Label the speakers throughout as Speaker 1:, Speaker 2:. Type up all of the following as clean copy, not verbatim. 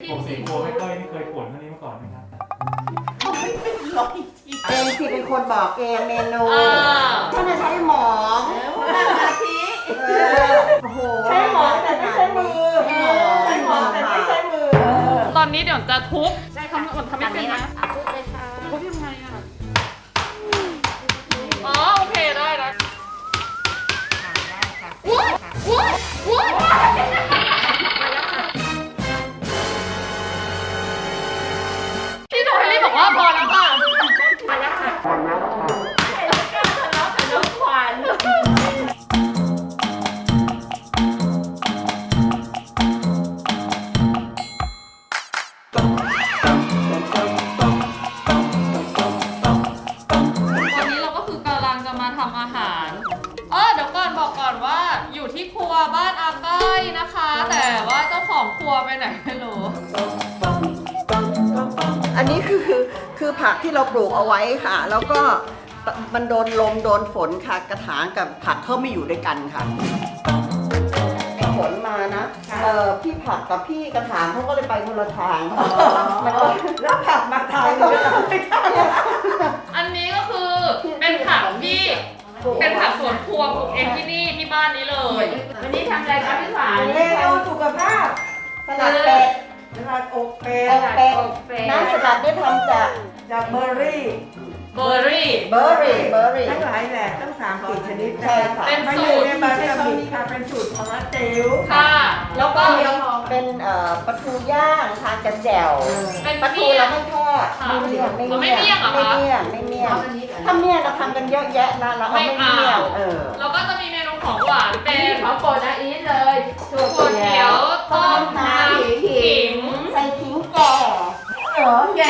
Speaker 1: ปกติครัวไม่ค่อยนี่เคยป่วนเท่านี้มาก่อนไหมครับ
Speaker 2: เองสิเป็นคนบอกเองเมนูฉันจะใช้หมองนั่งอาทิโอ้โหใช้หมองแต่ไม่ใช้มือใช้หมองแต่ไม่ใช้มือ
Speaker 3: ตอนนี้เดี๋ยวจะทุบทำไม่เป็นนะ
Speaker 4: ทุบเลยค่ะ
Speaker 3: ทุบยังไงอ่ะอ๋อโอเคได้แล้ว
Speaker 4: ได้ค่ะ
Speaker 3: วุ้ยวุ้ยวุ้ยพี่หนูเฮลี่บอกว่าพอแล้วค่ะ
Speaker 4: มาแล้วค่ะใช่แล้วก็ทะเลาะกับน้องขวัญ
Speaker 3: วันนี้เราก็คือกำลังจะมาทำอาหารเดี๋ยวก่อนบอกก่อนว่าอยู่ที่ครัวบ้านอาก้อยนะคะ แต่ว่าเจ้าของครัวไปไหนไม่รู้
Speaker 2: อันนี้คือผักที่เราปลูกเอาไว้ค่ะ แล้วก็มันโดนลมโดนฝนค่ะ กระถางกับผักเขาไม่อยู่ด้วยกันค่ะฝนมานะพี่ผักกับพี่กระถางเขาก็เลยไปคนละทางมันก็แล้วผักมาทางไม่ได้
Speaker 3: อันนี้ก็คือเป็นผักที่เป็นผักสวนครัวปลูกเองที่นี่ที่บ้านนี้เลย
Speaker 4: วันนี้ทำอะไรคะพี่ขวัญ
Speaker 2: เมนูสุขภาพสลัดเป็ด
Speaker 5: สลัดอกเป็
Speaker 2: อ
Speaker 5: ด
Speaker 2: กเป็ดน้ำสลัดได้ทำจาก
Speaker 5: จากเบอร์รี่
Speaker 3: เบอร์รี่
Speaker 2: เบอร์รี่
Speaker 5: ทั้งหลายแหละตั้ง30ชนิด
Speaker 2: ใช่ค่ะ
Speaker 3: เป็น
Speaker 5: มา
Speaker 3: สู
Speaker 5: อยู่
Speaker 3: ตร
Speaker 5: ในบาร์บีคิวค่ะเป็นสูตรของอาเต๋ว
Speaker 3: ค่ะ
Speaker 2: แล้วก็มีเป็นปลาทูย่างทานกับแจ่ว
Speaker 3: เป็น
Speaker 2: ปลาทู
Speaker 3: เมี่ย
Speaker 2: เรา
Speaker 3: ง
Speaker 2: ไม่ทอด
Speaker 3: ค่ะ
Speaker 2: ไม่เลี่ยง
Speaker 3: เราไม่เลี่ยงเหรอคะ
Speaker 2: ไม่เลี่ยงถ้าเมี่ยงเราทำกันเยอะแยะนะเราเอาไม่เลี่ยง
Speaker 3: แล้วก็จะมีเมนูของหวานเป็
Speaker 4: เป็น
Speaker 3: น
Speaker 4: ของโปรดอาอีทเลยถั่ว
Speaker 3: ถั่วเขียวต้มน้ำขิง
Speaker 2: ใส่ขิงแก่เหรอแก่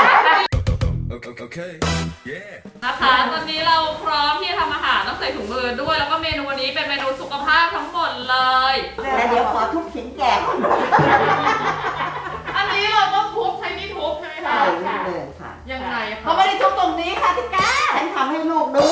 Speaker 6: Okay. Yeah.
Speaker 3: นะคะ ตอนนี้เราพร้อมที่จะทำอาหารต้องใส่ถุงมือด้วย แล้วก็เมนูวันนี้เป็นเมนูสุขภาพทั้งหมดเลย
Speaker 2: แต่เดี๋ยวขอทุบขิงแก่ก่อน
Speaker 3: อันนี้เราต้องทุบใช้นี่ทุบใช่ไหมคะ
Speaker 2: ใช่นี่เลยค่ะ
Speaker 3: ยังไงคะ
Speaker 2: เขาไม่ได้ทุบตรงนี้ค่ะที่ก้าฉันทำให้ลูกดู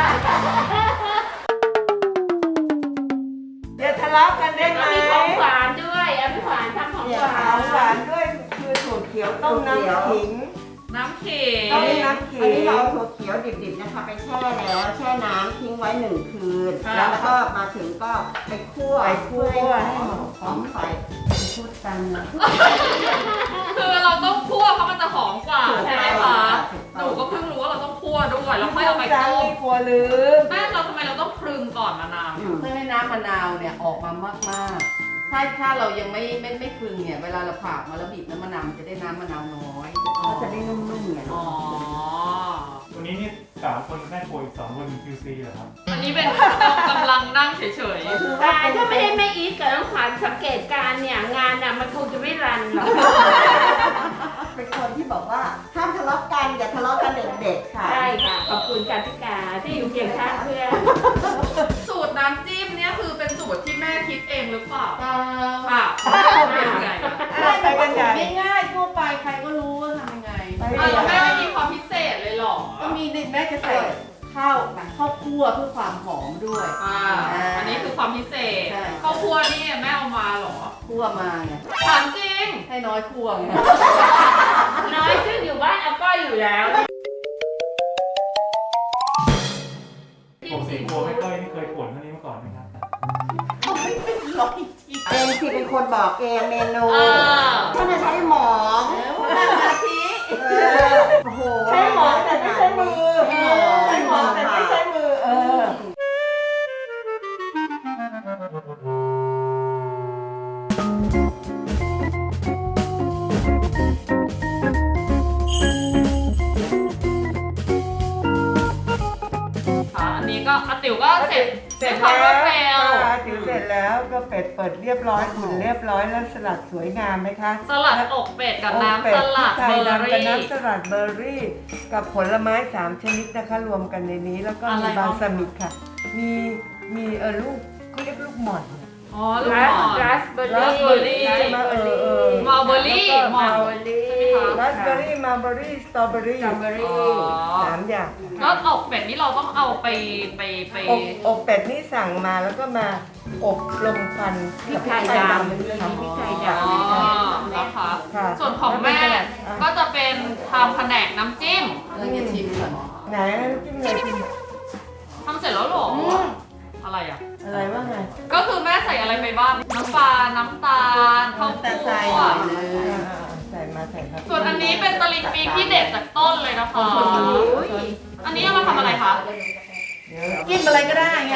Speaker 5: อย่าทะเลาะกันได้ไหม
Speaker 4: มีของหวานด้วยพี่ขวัญทำของหวา
Speaker 5: ของหวาน นด้วยคือถั่วเขียวต้มน้ำขิง
Speaker 3: น้ำขิง
Speaker 5: ต้มน้ำขิ
Speaker 2: อัน
Speaker 5: ง
Speaker 2: นี้เราเอาถั่วเขียวดิบๆนะคะไปแช่แล้วแช่น้ำทิ้งไว้1 คืน แล้วก็มาถึงก็ไปคั่วให้หอมไฟพูดกันนะ
Speaker 3: คือเราต้องคั่วเพราะมันจะหอมกว่าใช่ไหมคะ
Speaker 2: ถูก
Speaker 3: ห
Speaker 2: ต้อง
Speaker 3: นูก็เพิ่งรู้ว่าเราต้องคั่วด้วยแล้วค่อยเอาไป
Speaker 5: จาน
Speaker 3: ต้ม
Speaker 5: ไม่กลัวลืม
Speaker 3: แม่เราทำไมเราต้องพรึงก่อนมะนาว
Speaker 7: เพื่อให้น้ำมะนาวเนี่ยออกมามากๆ ถ้าเรายังไม่คลึงเนี่ย เวลาเราผ่ามาแล้วบีบน้ำมะนาวมันจะได้น้ำมะนาวน้อย
Speaker 2: เขาจะได้นุ่มๆไง
Speaker 3: อ๋อ
Speaker 1: วันนี้นี่3 คนแม่ครัวอีก2 คน QC เหรอครับ
Speaker 3: อันนี้เป็นกำลังนั่งเฉย
Speaker 4: แต่ถ้าไม่ให้แม่อีทกับน้องขวัญสังเกตการณ์เนี่ยงานน่ะมันคงจะไม่รันหรอก
Speaker 2: เป็นคนที่บอกว่าห้ามทะเลาะกันอย่าทะเลาะกันเด็กๆค่ะ
Speaker 4: ใช่ค่ะขอบคุณการพิการที่อยู่เคียงข้างเพื่อน
Speaker 3: ๆ สูตรน้ำจิ้มเนี่ยคือเป็นสูตรที่แม่คิดเองหรือเปล่า
Speaker 7: เปล่า
Speaker 3: ค่ะเป็นยังไงอะ
Speaker 5: ไปกันใหญ่
Speaker 7: ง่ายๆทั่วไปใครก็รู้ว่าทำยังไง
Speaker 3: แล้วแม่ไม่มีความพิเศษเลยเหรอ
Speaker 7: ก็มีนิดแม่จะใส่ข้าวคั่วเพื่อความหอมด้วย
Speaker 3: อันนี้คือความพิเศษ
Speaker 7: ใช่
Speaker 3: ข้าวคั่วนี่แม่เอามาเหรอ
Speaker 7: คั่วมาไง
Speaker 3: ถามจริง
Speaker 7: ให้น้อยคั่วไง
Speaker 4: น้อยซึ่งอยู่บ้านอาก้อยอยู่แล้ว
Speaker 1: ปกติครัวไม่ค่อยนี่เคยป่วนเท่านี้มาก่อนไหมครับ
Speaker 2: เองสิเป็นคนบอกเองเมนู
Speaker 3: อ่า
Speaker 2: ฉันจะใช้หมองนั่งอาทิโอ้โหใช้หมองแต่ไม่ใช้มือใช้หมองแต่ไม่ใช้มือ
Speaker 3: ค่ะอันนี้ก็อาติ๋วก็เสร็จ
Speaker 5: เสร็จ
Speaker 3: ความร
Speaker 5: แล้ว
Speaker 3: วดเร็ว
Speaker 5: ถึงเสร็จแล้วก็เป็ดเปิดเรียบร้อยขุนเรียบร้อยแล้วสลัดสวยงามไหมคะ
Speaker 3: สลัดอกเป็ดกับน้ำสลัด
Speaker 5: ไข่
Speaker 3: เบอร์
Speaker 5: ดำกับ
Speaker 3: รี่
Speaker 5: น้ำสลัดเบอร์รี่ กับผลไม้3 ชนิดนะคะรวมกันในนี้แล้วก็
Speaker 3: อะไร
Speaker 5: มี
Speaker 3: บ้าง
Speaker 5: บาซามิกค่ะ มีลูกเขาเรียกลูกหม่อน
Speaker 3: อ๋อลูกหม่อน
Speaker 4: ราสเบอร์รี่
Speaker 3: raspberry
Speaker 5: ใช่ไหม
Speaker 3: มัลเบอร์รี่
Speaker 5: แล้วก็
Speaker 3: หม่อน
Speaker 4: เบอร์รี่
Speaker 3: ใช่ไหม
Speaker 5: ราสเบอร์รี่มาร์เบอร์รี่สตรอเบอร์รี่
Speaker 4: สตรอเบอรี่
Speaker 5: 3 อย่าง
Speaker 3: แล้วอกเป็ดนี่เราต้องเอาไป
Speaker 5: อบเป็ดนี่สั่งมาแล้วก็มาอบลมควัน
Speaker 4: พริกไทยดำ
Speaker 5: พริกไทย
Speaker 4: พริกไทย
Speaker 5: ด
Speaker 4: ด
Speaker 3: อ๋อนะคะ
Speaker 5: ค่ะ
Speaker 3: ส่วนของแม่ก็จะเป็นทำแผนกน้ำจิ้ม
Speaker 7: เราจะชิมก่อน
Speaker 5: ไหนจิ้มเลยจิ้ม
Speaker 3: ทำเสร็จแล้วเหรออะไรอ่ะ
Speaker 5: อะไรว่าไง
Speaker 3: ก็คือแม่ใส่อะไรไปบ้าง น้ำปลา น้ำตาลข้าว
Speaker 7: แต่
Speaker 3: คั่
Speaker 7: ใส่
Speaker 3: ว
Speaker 7: เลย
Speaker 5: ใส่มาใส่ครับ
Speaker 3: ส่วนอันนี้เป็นตะลิงปิงที่เด็ดจากต้นเลยนะคะ อันนี้เอามาทำอะไรคะ
Speaker 7: จิ้มอะไรก็ได้ไง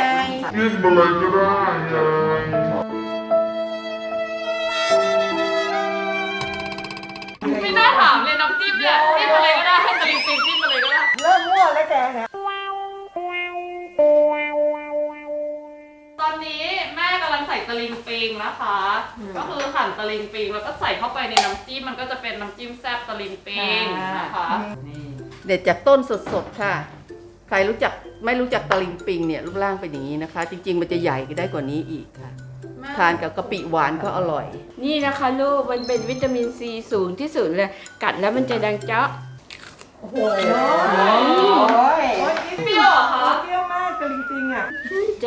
Speaker 3: ไม่น่าถามเลยน้ำจิ้มเนี่ยจิ้มอะไรก็ได้ให้ตะลิงปิงจิ้มอะไรก็ได้
Speaker 5: เริ่มมั่วแล้วแกนะ
Speaker 3: ตอนนี้แม่กำลังใส่ตะลิงปิงนะคะ ก็คือหั่นตะลิงปิงแล้วก็ใส่เข้าไปในน้ำจิ้มมันก็จะเป็นน้ำจิ้มแซ่บตะลิงปิงนะคะนี่
Speaker 7: เด็ดจากต้นสดๆค่ะ ใครรู้จักไม่รู้จักตะลิงปิงเนี่ยรูปร่างเป็นอย่างนี้นะคะ จริงๆมันจะใหญ่ได้กว่านี้อีกค่ะ ทานกับกะปิหวานก็อร่อย
Speaker 4: นี่นะคะลูกมันเป็นวิตามินซีสูงที่สุดเลย กัดแล้วมันจะดังเจาะ
Speaker 5: โอ้โห
Speaker 3: เปรี้ยวเหรอคะ
Speaker 5: เปรี้ยวมากกะลิงปิงอ่ะ
Speaker 4: ใจ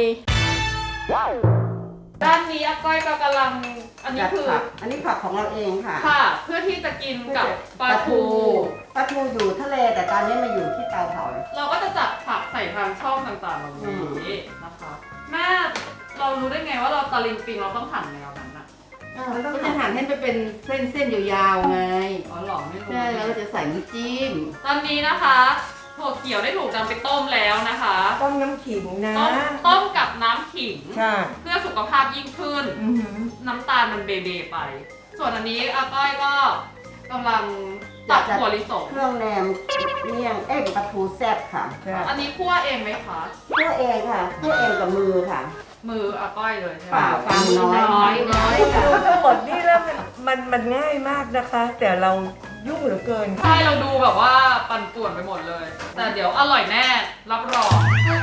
Speaker 3: ด้านนี้อาก้อยก็กำลังอันนี้
Speaker 2: จัด
Speaker 3: คือ
Speaker 2: ผักอันนี้ผักของเราเองค่ะ
Speaker 3: ค่ะ เพื่อที่จะกินกับปลาทู
Speaker 2: ปลาทูอยู่ทะเลแต่ตอนนี้มาอยู่ที่เตาเผา
Speaker 3: เราก็จะจัดผักใส่ทางช่องต่างๆแบบนี้นะคะแม่เรารู้ได้ไงว่าเราตะลิงปิงเราต้องหั่นแนวนั้นอะ
Speaker 7: ก็จะหั่นให้ไปเป็นเส้นๆยาวๆไง
Speaker 3: อ๋อหรอไม่รู้
Speaker 7: ใช่แล้วก็จะใส่น้ำจิ้ม
Speaker 3: ตอนนี้นะคะถั่วเขียวได้ถูกนำไปต้มแล้วนะคะ
Speaker 5: ต้มน้ำขิงนะ
Speaker 3: ต้มกับน้ำขิง
Speaker 5: ใช่
Speaker 3: เพื่อสุขภาพยิ่งขึ้น
Speaker 5: อือหือ
Speaker 3: น้ำตาลมันเบเบไป ส่วนอันนี้อาก้อยก็กำลังตัดถั่วลิสง
Speaker 2: เครื่องแนมเมี่ยงปลาทูแซ่บค่ะ
Speaker 5: ใช่
Speaker 3: อันนี้คั่วเองไหมคะ
Speaker 2: คั่วเองค่ะคั่วเองกับมือค่ะ
Speaker 3: มืออาก้อยเลยใช่ไหม
Speaker 2: เปล่าฟังน้อย
Speaker 5: ค่ะทั้งหมดนี่แล้วมันง่ายมากนะคะ แต่เรายุ่งเหลือเกิน
Speaker 3: ใช่เราดูแบบว่าปั่นป่วนไปหมดเลย แต่เดี๋ยวอร่อยแน่รับรอง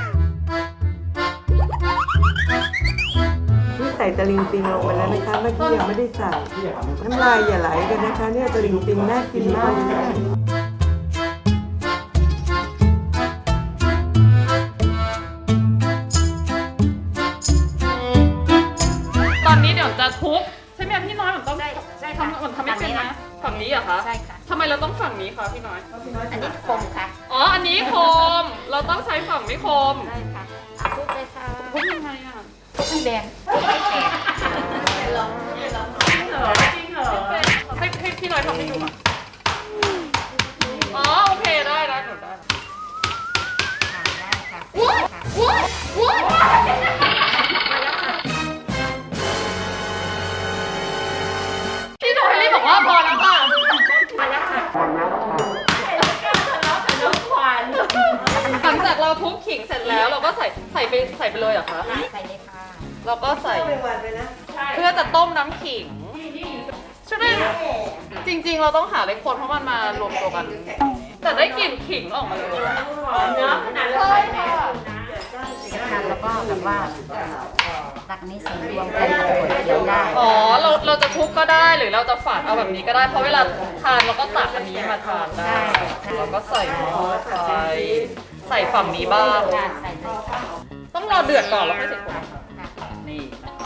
Speaker 5: นี่ใส่ตะลิงปิงลงไปแล้วนะคะเมื่อกี้ยังไม่ได้ใส่น้ำลายอย่าไหลกันนะคะเนี่ยตะลิงปิงน่ากินมาก
Speaker 3: ตอนนี้เดี๋ยวจะทุบใช่ไหมพี่น้อยมันต้องใช่ทำมันทำไม่เป็นนะฝั่งนี้เหรอคะ
Speaker 4: ใช่ค่ะ
Speaker 3: ทำไมเราต้องฝั่งนี้คะพี่น้อย
Speaker 4: อันนี้คมค่ะ
Speaker 3: อ๋ออันนี้คมเราต้องใช้ฝั่งไม่คม
Speaker 4: ได้ค่ะทุบเลยค่ะ
Speaker 3: ทุบยังไงอ่ะ
Speaker 4: ทุบให้แดงให้แตก
Speaker 3: เหรอจริงเหรอให้พี่น้อยทำให้ดูอ่ะอ๋อโอเคได้หนูได้
Speaker 4: ได้ค่ะ
Speaker 3: พี่หนูให้รีบบอกว่าพอแล้วค่ะ
Speaker 4: มาแล้วค่ะน้องขวัญ
Speaker 3: หลังจากเราทุบขิงเสร็จแล้วเราก็ใส่ไปเลยเหรอคะ
Speaker 4: ใส่เลยค่ะ
Speaker 3: เราก็ใส่
Speaker 5: เป็นวันไปนะ
Speaker 3: เพื่อจะต้มน้ำขิงช่วยด้วยจริง ๆ เราต้องหาอะไรคนเพราะมันมารวมตัวกัน แต่ได้กลิ่นขิงออกมาเลย
Speaker 4: เนาะขนาดเรา
Speaker 3: ใช่
Speaker 4: ใส่
Speaker 3: ค่ะ
Speaker 8: แล้วก็แบบว่าตักนี้ใส่รวมกันกับถั่วเขียวได้
Speaker 3: อ๋อเราจะทุบก็ได้หรือเราจะฝานเอาแบบนี้ก็ได้เพราะเวลาทานเราก็ตักอันนี้มาทานได้เราก็ใส่หม้อไปใส่ฝั่งนี้บ้าง
Speaker 8: ค่ะใส่เลยค่ะ
Speaker 3: ต้องรอเดือดก่อนแล้วค่อยใส่ถั่วนี่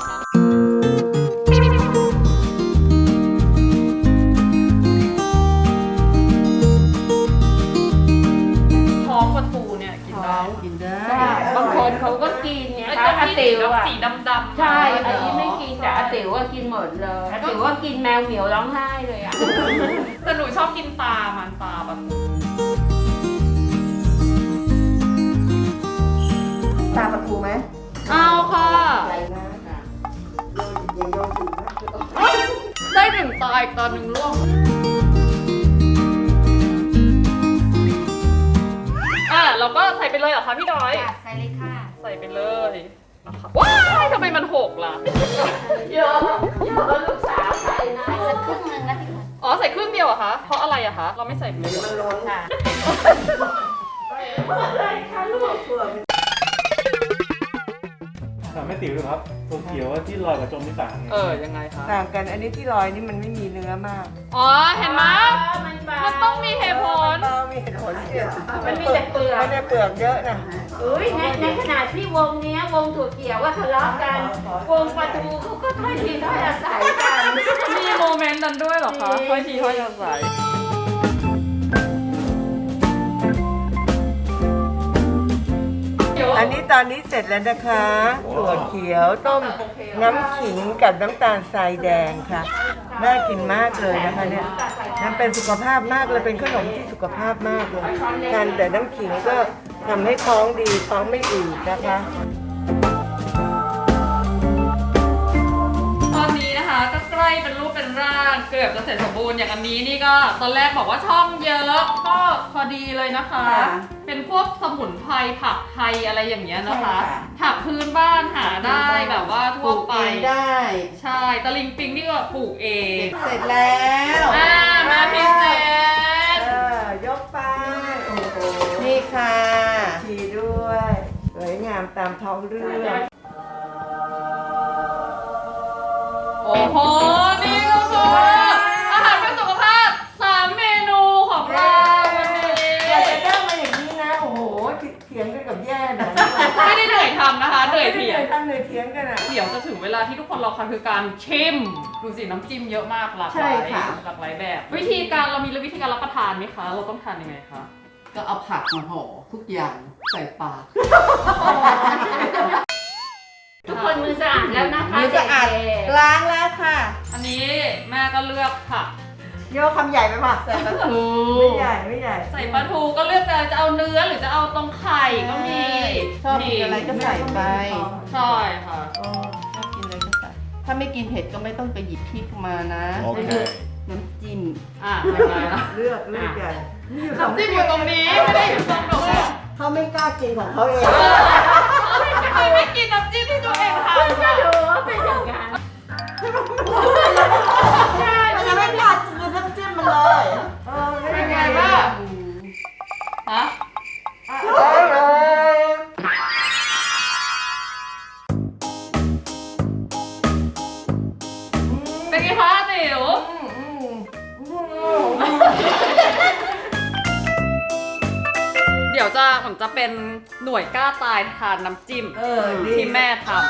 Speaker 3: ท้องปลาทูเนี่ยกินได้
Speaker 7: กินได้
Speaker 4: บางคนเขาก็กินเนี่ย
Speaker 3: ไอ้
Speaker 4: ค่ะ
Speaker 3: ตัว
Speaker 4: อา
Speaker 3: ที่
Speaker 4: ติ๋วอ่ะ
Speaker 3: สีดำๆ
Speaker 4: ใช่อันนี้ไม่กินแต่อาติ๋วว่ากินหมดเลยอาติ๋วว่ากินแมวเหมียวร้องไห้เลยอ่ะ
Speaker 3: แต่หนูชอบกินตามันตาแบบ
Speaker 2: ตาปลาทูไหม
Speaker 3: เอาค่ะ
Speaker 2: ใส่นะอย่าโยนถึงนะ
Speaker 3: ได้หนึ่งตาอีกตาหนึ่งร่วงเราก็ใส่ไปเลยเหรอคะพี่น้อย
Speaker 8: ค่ะใส่เลยค่ะ
Speaker 3: ใส่ไปเลยนะคะว้ายทำไมมันหกล่ะ
Speaker 4: เยอะลูกสาวใส่นะ
Speaker 8: ใส่สักครึ่งหนึงนะพี่ขวัญ
Speaker 3: อ๋อใส่ครึ่งเดียวเหรอะคะ เพราะอะไรอะคะ เราไม่ใส่เยอะ
Speaker 2: มันล้น
Speaker 8: ค่ะ
Speaker 5: ทั่ว
Speaker 1: แม่ติ๋วดูครับตัวเขียวที่ลอยกับจมที่ต่างเนี่ย
Speaker 3: ยังไงคะ
Speaker 5: ต่างกันอันนี้ที่ลอยนี่มันไม่มีเนื้อมาก
Speaker 3: อ๋อ เห็นไหม มันต้องมีเหตุผล
Speaker 5: มีเหตุผลเยอะ
Speaker 4: มันมีแต่เปลือก
Speaker 5: ไม่ได้เปลือกเยอะนะ
Speaker 4: อุ้ยในขณะที่วงเนี้ยวงถั่วเขียวว่าทะเลาะกัน วงปลาทูเขาก็ถ้อยทีถ้อยอาศัยกัน
Speaker 3: มีโมเมนต์นั้นด้วยเหรอคะค่อยทีค่อยอาศัย
Speaker 5: อันนี้ตอนนี้เสร็จแล้วนะคะถั่วเขียวต้มน้ำขิงกับน้ำตาลทรายแดงค่ะน่ากินมากเลยนะคะเนี่ยมันเป็นสุขภาพมากเลยเป็นขนมที่สุขภาพมากเลยทานแต่น้ำขิงก็ทำให้ท้องดีท้องไม่อืดนะคะ
Speaker 3: ตอนนี้นะคะก็ใกล้เป็นรูปเป็นร่างเกือบจะเสร็จสมบูรณ์อย่างอันนี้นี่ก็ตอนแรกบอกว่าช่องเยอะก็พอดีเลยนะคะ เป็นพวกสมุนไพรผักไทยอะไรอย่างเงี้ยนะคะ ผักพื้นบ้านหาได้แบบว่าทั่วไป
Speaker 7: ปลูกเองได้
Speaker 3: ใช่ตะลิงปิงนี่ก็ปลูกเอง
Speaker 7: เสร็จแล้ว
Speaker 3: มาพิเศษ
Speaker 5: ยกไปโอ้โห
Speaker 7: นี่ค่ะ
Speaker 5: ชีด้วยสวยงามตามท้องเรื่อง
Speaker 3: โอ้โหนี่ก็คืออาหารเพื่อสุขภาพ3 เมนูของเราวันนี้
Speaker 5: อย่าจะได้มาอย่างนี้นะ โอ้โหเถียงกันกับแย่นะ
Speaker 3: ไม่ได้เหนื่อยทำนะคะเหนื่อยเถียง
Speaker 5: ทำเลยเถียงกันอ่ะ
Speaker 3: เดี๋ยวจะถึงเวลาที่ทุกคนรอคอยคือการชิมดูสิน้ำจิ้มเยอะมากหลากห
Speaker 7: ใช่
Speaker 3: ลาย
Speaker 7: ค่ะ
Speaker 3: หลากหลายแบบ วิธีการเรามีวิธีการรับประทานไหมคะ เราต้องทานยังไงคะ
Speaker 7: ก็เอาผักมาห่อทุกอย่างใส่ปาก
Speaker 4: ทุกคนมือสะอาดแล้วนะคะ
Speaker 7: มือสะอาด
Speaker 4: เด็ก
Speaker 7: ล้างแล้วค่ะ
Speaker 3: อันนี้แม่ก็เลือกค่ะ
Speaker 2: โยกคำใหญ่ไปป่ะ
Speaker 7: ใส่ปลาทู
Speaker 5: ไม่ใหญ่ไม่ใหญ่
Speaker 3: ใส่ปลาทูก็เลือกจะเอาเนื้อหรือจะเอาตรงไข่ก็มี
Speaker 7: ชอบกินอะไรก็ใส่ไป
Speaker 3: ใช่ค่ะ
Speaker 7: ชอบกินอะไรก็ใส่ ถ้าไม่กินเผ็ดก็ไม่ต้องไปหยิบพริกมานะ
Speaker 6: Okay.
Speaker 7: น้ำจิ้ม
Speaker 3: ยังไงนะ
Speaker 5: เลือกใหญ่นี่อยู่สอง
Speaker 3: น้ำจิ้มอยู่ตรงนี้ไม่ได้อยู่ตรงหนู
Speaker 2: เขาไม่กล้ากินของเขาเอง
Speaker 3: ไม่กินน้ำจิ้มที่ตัวเองทำ
Speaker 4: ไม่รู้ว่าเป็นอย่างนั้น
Speaker 2: มันยังไม่กล้ากินน้ำจิ้มมันเลย
Speaker 3: เป็นไงบ้างฮะ เป็นไงคะติ๋วเดี๋ยวผมจะเป็นหน่วยกล้าตายทานน้ำจิ้ม
Speaker 5: ดี
Speaker 3: ที่แม่ทำ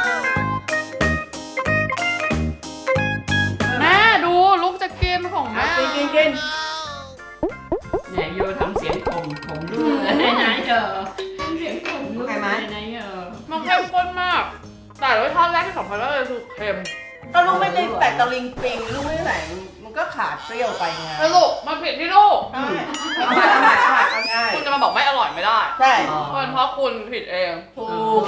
Speaker 3: แม่ดูลูกจะกินของแม่
Speaker 7: กิน
Speaker 3: เนี่ยโยทำเสียงผมดูไหนเจอเสียงผมดู
Speaker 2: ไงไหม
Speaker 3: ไหนมันเข้มข้นมาก แต่รสชาติแรกที่สำคัญก็เลยคือเค็ม
Speaker 7: ก็ลูกไม่ได้ใส่ตะลิงปิงลูกไม่ได้ใส่มันก็ขาดเปรี้ยวไปไง
Speaker 3: แล้วลูกมันผิดที่ลูก
Speaker 7: เอาง่าย
Speaker 3: คุณจะมาบอกไม่อร่อยไม่ได้
Speaker 7: ใช่
Speaker 3: เป็นเพราะคุณผิดเอง
Speaker 7: ถูก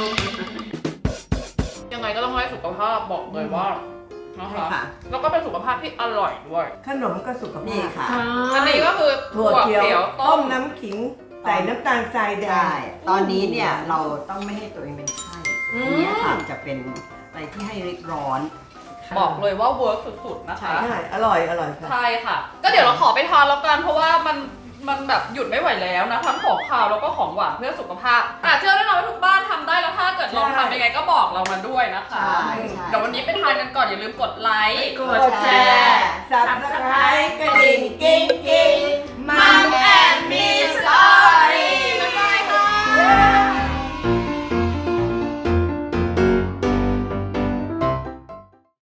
Speaker 3: ยังไงก็ต้องให้สุขภาพบอกเลยว่านะคะ
Speaker 2: ใช่ค่ะ
Speaker 3: แล้วก็เป็นสุขภาพที่อร่อยด้วย
Speaker 5: ขนมก็สุข
Speaker 2: นี่
Speaker 5: ภาพ
Speaker 2: ค่ะ
Speaker 3: อันนี้ก็คือ
Speaker 5: ถั่วเขียว
Speaker 3: ต้
Speaker 5: ต้
Speaker 3: ม
Speaker 5: มน้ำขิงใส่น้ำตาลทรายแด
Speaker 2: ใช่
Speaker 5: ง
Speaker 2: ตอนนี้เนี่ยเราต้องไม่ให้ตัวเองเป็นไข้อันเนี้ยค่ะจะเป็นอะไรที่ให้ริดร้อน
Speaker 3: บอกเลยว่าเวิร์กสุดๆนะคะ
Speaker 5: ใช่อร่อยค่ะ
Speaker 3: ใช่ค่ะ ก็เดี๋ยวเราขอไปทานแล้วกันเพราะว่ามันแบบหยุดไม่ไหวแล้วนะทั้งของคาวแล้วก็ของหวานเพื่อสุขภาพเชื่อแน่นอนว่าทุกบ้านทำได้แล้วถ้าเกิดลองทำยังไงก็บอกเรามาด้วยนะคะ
Speaker 2: ใช่
Speaker 3: เดี๋ยววันนี้ไปทานกันก่อนอย่าลืมกดไลค์
Speaker 5: กดแชร์ Subscribe กระดิ่งกิ้ง